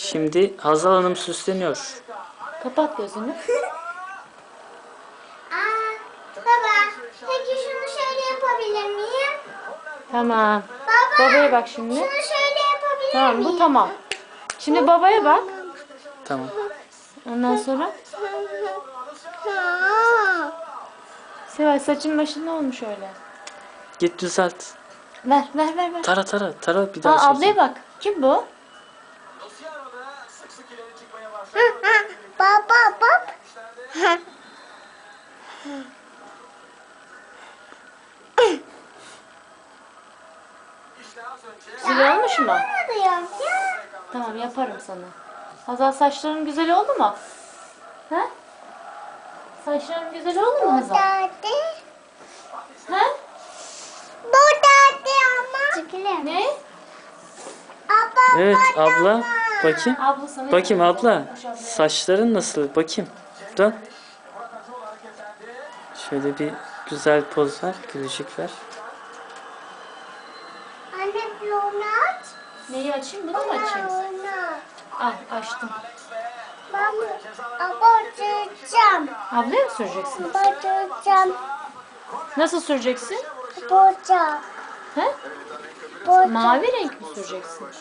Şimdi Hazal Hanım süsleniyor. Kapat gözünü. Baba, peki şunu şöyle yapabilir miyim? Tamam. Baba, Babaya bak şimdi. şunu şöyle yapabilir Tamam, miyim? bu tamam. Şimdi babaya bak. Tamam. Ondan sonra Seval, saçın başın ne olmuş öyle? Git düzelt. Ver. Tara bir daha Aa, çek. ablaya bak. Kim bu? Baba, bak. Güzel olmuş mu? Diyorum ya. Tamam, yaparım sana. Hazal, saçların güzel oldu mu? He? Saçların güzel oldu mu Hazal? Dadi. He? Bu dadi ama. Çekilir. Ne? Abla, Evet abla. Bakayım. Abla sana Bakayım abla. Koş ablaya. Saçların nasıl? Bakayım. Dön. Şöyle bir güzel poz ver. Gülücük ver. Anne bir onu aç. Neyi açayım? Bunu mu açayım? Onu aç. Al, açtım. Ben abartacağım. Ablaya mı süreceksin? Abartacağım. Nasıl süreceksin? Abartacağım. He? Abartacağım. Mavi renk mi süreceksin?